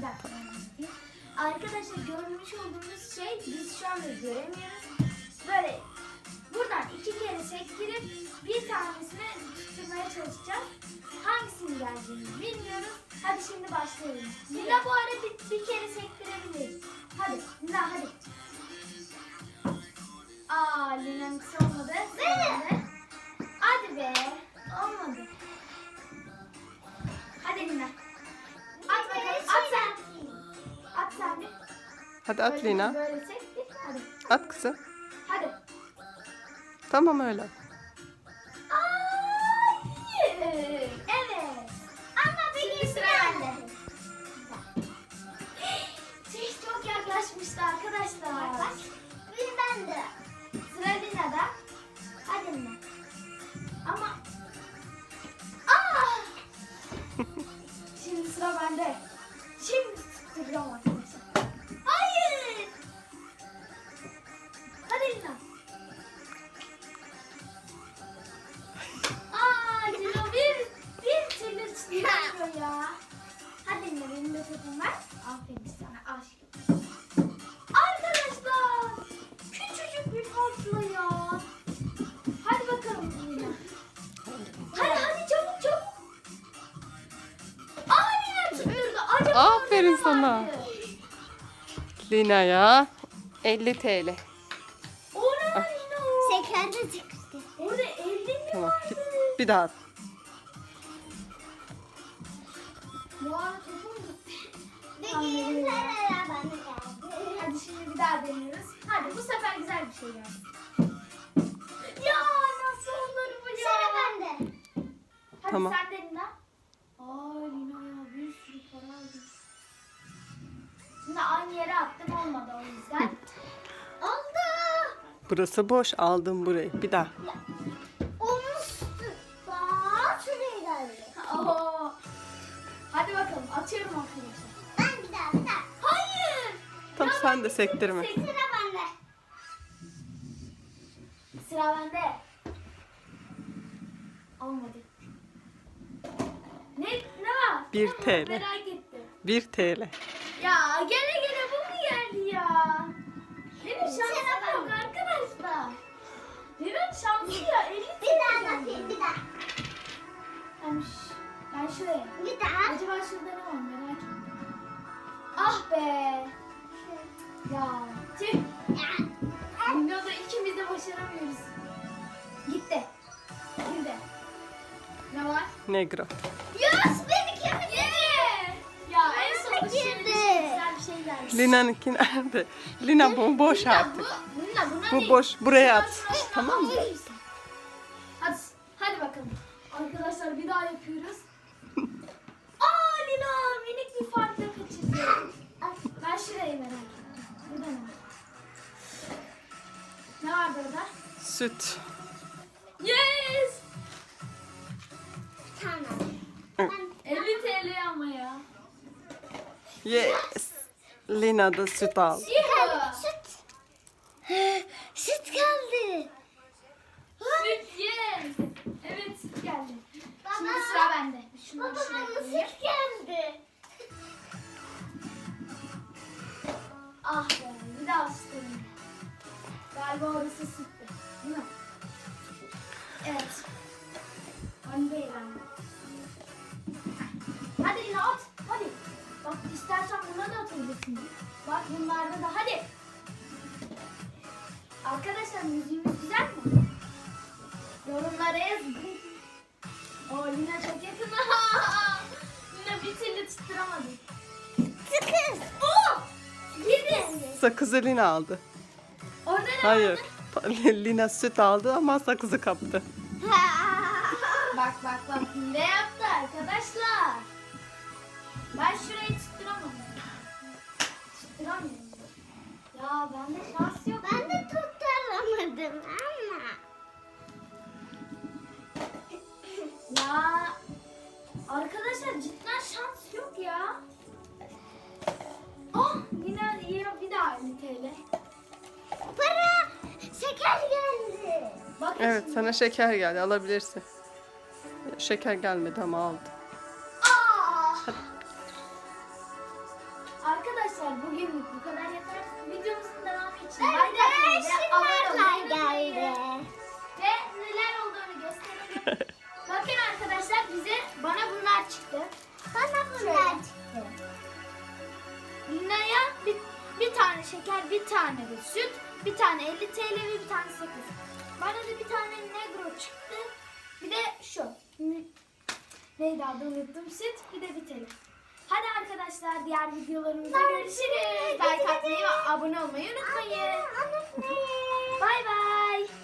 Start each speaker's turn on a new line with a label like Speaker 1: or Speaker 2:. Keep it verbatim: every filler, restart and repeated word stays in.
Speaker 1: dakika. Arkadaşlar görmüş olduğunuz şey biz şu anda göremiyoruz. Böyle buradan iki kere sektirip bir tanesini tutturmaya çalışacağız. Hangisinin geleceğini bilmiyoruz. Hadi şimdi başlayalım. Lina bu arada bir, bir kere sektirebilir. Hadi Lina hadi. Aa Lina'nın kısa olmadı. Hadi. Hadi be. Olmadı. Hadi Lina. At bakalım. At sen. At sen de.
Speaker 2: Hadi at
Speaker 1: Böyle-
Speaker 2: Lina.
Speaker 1: Böyle sektir. Hadi.
Speaker 2: At kızım.
Speaker 1: Hadi.
Speaker 2: Tamam öyle.
Speaker 1: Hayır. Evet. Ama benim sıra bende. Şey çok yaklaşmıştı arkadaşlar. Yaklaş. Bir bende. Sıra Lina'da. Hadi Lina. Ama. Aa! Şimdi sıra bende. Şimdi tutturacağım arkadaşlar. Hayır. Hadi Lina. Aa Lina bir, bir türlü tutturamıyor ya. Hadi Lina benim de topum var. Aferin sana aşkım. Arkadaşlar küçücük bir farkla ya. Hadi bakalım Lina. Hadi hadi çabuk çabuk. Aa Lina tutturdu. Acaba
Speaker 2: Aferin
Speaker 1: orada ne
Speaker 2: sana.
Speaker 1: vardı?
Speaker 2: Lina'ya elli TL.
Speaker 1: Orada Lina o.
Speaker 3: Şekerde çıktı.
Speaker 1: Orada elli mi
Speaker 2: Tamam.
Speaker 1: vardı?
Speaker 2: Bir daha at.
Speaker 1: Bu arada topum gitti.
Speaker 3: Bir
Speaker 1: Tamam,
Speaker 3: kere
Speaker 1: veriyorum.
Speaker 3: sen bana geldi.
Speaker 1: Hadi şimdi bir daha deniyoruz. Hadi bu sefer güzel bir şey gelsin. Ya nasıl olur bu ya?
Speaker 3: Sıra bende.
Speaker 1: Hadi
Speaker 2: Tamam.
Speaker 1: sen de Lina. Aa Lina ya bir sürü para aldım. Şimdi aynı yere attım olmadı o yüzden.
Speaker 3: Oldu.
Speaker 2: Burası boş. Aldım burayı. Bir daha.
Speaker 3: Olmuştu. Bak şuraya geldi.
Speaker 1: Oo. Hadi bakalım atıyorum arkadaşlar.
Speaker 3: Ben bir daha bir daha.
Speaker 1: Hayır.
Speaker 2: Tam
Speaker 1: Ya
Speaker 2: sen
Speaker 1: ben
Speaker 2: de sektirme.
Speaker 1: sek-
Speaker 3: Sıra bende.
Speaker 1: Sıra bende. Olmadı. Ne ne var?
Speaker 2: Bir
Speaker 1: Ne var?
Speaker 2: T L.
Speaker 1: Merak ettim.
Speaker 2: bir TL.
Speaker 1: Ya gene gene bu mu geldi ya? Benim şansım yok arkadaşlar. Benim şansım ya elli
Speaker 3: Bir daha
Speaker 1: geldi.
Speaker 3: atayım bir daha.
Speaker 1: Ben, ş- ben şuraya.
Speaker 3: Bir daha.
Speaker 1: Acaba şurada ne var merak ettim. Ah be. Ya tüh. Dünyada ikimiz de başaramıyoruz. Gitti. Şimdi. Ne var?
Speaker 2: Negro.
Speaker 3: Yes beni kim
Speaker 1: Yeah. Ya en sonunda
Speaker 3: Girdi.
Speaker 1: şöyle bir şey, güzel bir şey geldi.
Speaker 2: Lina'nınki nerede? Lina bu boş
Speaker 1: Lina,
Speaker 2: artık.
Speaker 1: Bu, Lina, buna
Speaker 2: Bu
Speaker 1: değil.
Speaker 2: boş. Buraya at.
Speaker 1: Şuraya, şuraya.
Speaker 2: Tamam mı?
Speaker 1: Hadi, hadi bakalım. Arkadaşlar bir daha yapıyoruz. Aa Lina minik bir farkla kaçırdı. Ben şurayı merak ettim. Burada ne var? Ne var burada?
Speaker 2: Süt.
Speaker 1: Yes!
Speaker 3: Bir tane.
Speaker 1: elli T L ama ya.
Speaker 2: Yes. Lina da süt aldı.
Speaker 1: Yuhu!
Speaker 3: Süt. Süt geldi.
Speaker 1: Süt yes! Evet süt geldi. Şimdi
Speaker 3: Baba.
Speaker 1: sıra bende. Şunları
Speaker 3: Baba
Speaker 1: şuraya
Speaker 3: bana
Speaker 1: koyayım.
Speaker 3: süt geldi.
Speaker 1: Ah be bir daha süt alayım. Galiba orası süttü. Değil mi? Evet. Ben değil anne. Hadi yine at. Hadi. Bak istersen buna da atabilirsin. Bak bunlarda da hadi. Arkadaşlar müziğimiz güzel mi? Yorumlara yazın. Oo Lina çok yakın. Lina bir türlü tutturamadı.
Speaker 3: Sıkız.
Speaker 1: Oo! Yedi.
Speaker 2: Sakızı Lina aldı.
Speaker 1: Orada ne
Speaker 2: Hayır.
Speaker 1: vardı?
Speaker 2: Lina süt aldı ama sakızı kaptı.
Speaker 1: Bak bak bak ne yaptı arkadaşlar? Ben şurayı tutturamadım. Tutturamıyorum. Ya bende şans yok.
Speaker 3: Ben de tutturamadım ama.
Speaker 1: Ya arkadaşlar cidden şans yok ya. Oh yine yine bir daha elli T L.
Speaker 3: Para. Şeker geldi.
Speaker 1: Bakın
Speaker 2: Evet
Speaker 1: şimdi.
Speaker 2: sana şeker geldi. Alabilirsin. Şeker gelmedi ama aldı.
Speaker 1: Aa! arkadaşlar bugünlük bu kadar yeter. Videomuzun devamı için
Speaker 3: Ben
Speaker 1: like
Speaker 3: de
Speaker 1: atmayı ve abone olmayı
Speaker 3: şunlarla
Speaker 1: unutmayın.
Speaker 3: geldi.
Speaker 1: Ve neler olduğunu gösterelim. Bakın arkadaşlar bize bana bunlar çıktı.
Speaker 3: Bana bunlar çıktı.
Speaker 1: Lina'ya bir, bir tane şeker, bir tane de süt, bir tane elli T L ve bir tane sakız. Bana da bir tane negro çıktı. Bir de şu. N- Neydi adı unuttum. Süt, bir de bir T L. Hadi arkadaşlar diğer videolarımızda görüşürüz. Like atmayı ve abone olmayı unutmayın.
Speaker 3: Unutmayın.
Speaker 1: Bay bay.